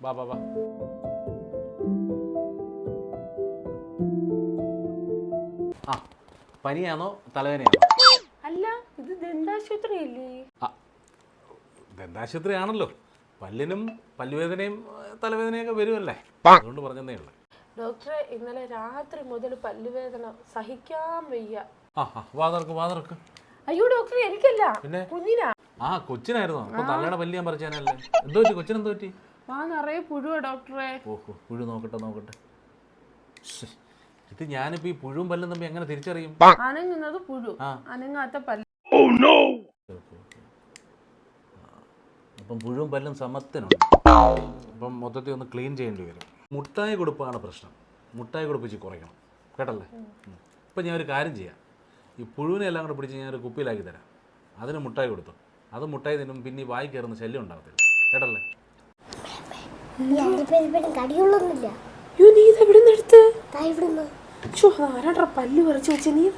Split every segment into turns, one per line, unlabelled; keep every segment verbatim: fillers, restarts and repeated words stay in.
വാ വാ വാ. ആ പനിയാണോ തലവേദനയാണോ?
അല്ല, ഇത് ദന്താശുപത്രിയല്ലേ?
ആ ദന്താശുപത്രി ആണല്ലോ. പല്ലിനും പല്ലുവേദനയും തലവേദനയൊക്കെ വരുമല്ലേ, അതുകൊണ്ട് പറഞ്ഞതേ ഉള്ളൂ.
ഡോക്ടറെ, ഇന്നലെ രാത്രി മുതൽ പല്ലുവേദന സഹിക്കാൻ വയ്യ.
ആ ആ വാതർക്ക് വാതർക്ക്.
അയ്യോ ഡോക്ടറെ, എനിക്കല്ല,
പിന്നെ
കുഞ്ഞിനാ.
ആ കൊച്ചിനായിരുന്നോ? അപ്പൊ തള്ളയുടെ പല്ല് ഞാൻ പറിച്ചാനല്ലേ. എന്തോ പറ്റി കൊച്ചിനെന്തോ പറ്റി?
ആ നിറയെ പുഴുവാ ഡോക്ടറെ.
ഓഹോ, പുഴു നോക്കട്ടെ നോക്കട്ടെ. ഇത് ഞാനിപ്പോ ഈ പുഴുവും പല്ലും തമ്മിൽ എങ്ങനെ തിരിച്ചറിയും?
അനങ്ങുന്നത് പുഴു, അനങ്ങാത്ത പല്ല്.
അപ്പം പുഴുവും പല്ലും സമത്തിനുണ്ട്. അപ്പം മൊത്തത്തിൽ ഒന്ന് ക്ലീൻ ചെയ്യേണ്ടി വരും. മുട്ടായി കൊടുപ്പാണ് പ്രശ്നം. മുട്ടായി കൊടുപ്പിച്ച് കുറയ്ക്കണം കേട്ടല്ലേ. ഇപ്പം ഞാൻ ഒരു കാര്യം ചെയ്യാം. ഈ പുഴുവിനെ എല്ലാം കൂടെ പിടിച്ച് ഞാനൊരു കുപ്പിയിലാക്കി തരാം. അതിന് മുട്ടായി കൊടുത്തു. അത് മുട്ടായി തിന്നും പിന്നെ ഈ വായി കയറുന്ന ശല്യം ഉണ്ടാകത്തില്ല കേട്ടല്ലേ.
പല്ല് പറിച്ചു വെച്ച നീ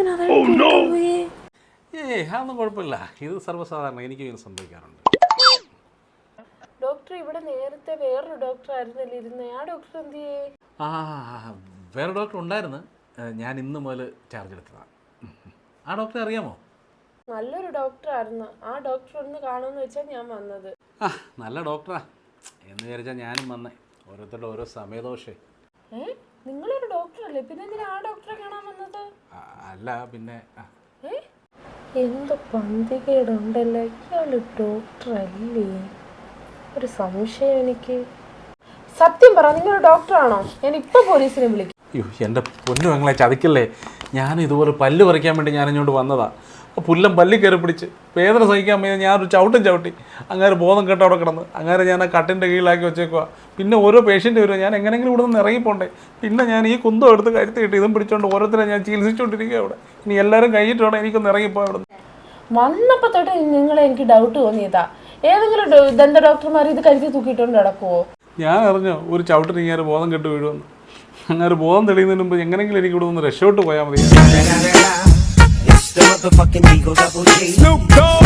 ഏയ് അതൊന്നും കുഴപ്പമില്ല. ഇത് സർവ്വസാധാരണ, എനിക്ക് ഇങ്ങനെ സംഭവിക്കാറുണ്ട്.
ഡോക്ടർ, ഇവിടെ നേരത്തെ വേറൊരു ഡോക്ടർ ആയിരുന്നല്ലേ ഇരുന്നേ, ആ ഡോക്ടർ എന്ത് ചെയ്യേ?
ആ വേറെ ഡോക്ടർ ഉണ്ടായിരുന്നു. ഞാൻ ഇന്ന് മുതൽ ചാർജ് എടുത്തതാണ്. ആ ഡോക്ടറെ അറിയാമോ?
നല്ലൊരു ഡോക്ടർ ആയിരുന്നു. ആ ഡോക്ടർ ഒന്ന് കാണുമെന്ന് വെച്ചാൽ ഞാൻ വന്നത്.
ആ നല്ല ഡോക്ടറാ എന്ന് വിചാരിച്ചാൽ ഞാനും വന്നേ. ഓരോരുത്തരുടെ ഓരോ സമയദോഷേ.
ഏ നിങ്ങളൊരു ഡോക്ടറല്ലേ, പിന്നെ എന്തിനാ ആ ഡോക്ടറെ കാണാൻ വന്നത്?
അല്ല പിന്നെ
ഏ എന്ത് പന്തികേടുണ്ടല്ലേ, ഇയാള് ഡോക്ടർ അല്ലേ? ഒരു സംശയം എനിക്ക്. സത്യം പറ, നിങ്ങളൊരു ഡോക്ടറാണോ? ഞാൻ ഇപ്പൊ പോലീസിനെ വിളിക്കും.
അയ്യോ എൻ്റെ പൊന്നു ഞങ്ങളെ ചതിക്കല്ലേ. ഞാൻ ഇതുപോലെ പല്ല് പറിക്കാൻ വേണ്ടി ഞാൻ ഇങ്ങോട്ട് വന്നതാ. അപ്പോൾ പുല്ലം പല്ലി കയറി പിടിച്ച് വേദന സഹിക്കാൻ വയ്യ. ഞാനൊരു ചവിട്ടും ചവിട്ടി അങ്ങനെ ബോധം കേട്ട് അവിടെ കിടന്ന് അങ്ങനെ ഞാൻ ആ കട്ടിൻ്റെ കീഴിലാക്കി വെച്ചേക്കുക. പിന്നെ ഓരോ പേഷ്യൻ്റ് വരുമോ, ഞാൻ എങ്ങനെയെങ്കിലും ഇവിടെ നിന്ന് ഇറങ്ങിപ്പോണ്ടേ. പിന്നെ ഞാൻ ഈ കുന്തം എടുത്ത് കരുത്തി കിട്ടി ഇതും പിടിച്ചോണ്ട് ഓരോരുത്തരെ ഞാൻ ചികിത്സിച്ചുകൊണ്ടിരിക്കുക അവിടെ. ഇനി എല്ലാവരും കഴിഞ്ഞിട്ട് വേണം എനിക്കൊന്ന് ഇറങ്ങിപ്പോ അവിടെ.
വന്നപ്പോ തൊട്ട് നിങ്ങളെ എനിക്ക് ഡൗട്ട് തോന്നിയതാ. ഏതെങ്കിലും ദന്ത ഡോക്ടർമാർ ഇത് കരുതി തൂക്കിയിട്ടുണ്ട് നടക്കുവോ?
ഞാൻ അറിഞ്ഞോ ഒരു ചവിട്ടിന് ഇങ്ങനെ ബോധം കെട്ട് വീഴുമെന്ന്. അങ്ങനെ ബോധം തെളിയുന്നതിന് മുമ്പ് എങ്ങനെയെങ്കിലും എനിക്ക് ഇവിടെ നിന്ന് രക്ഷോട്ട് പോയാൽ മതി.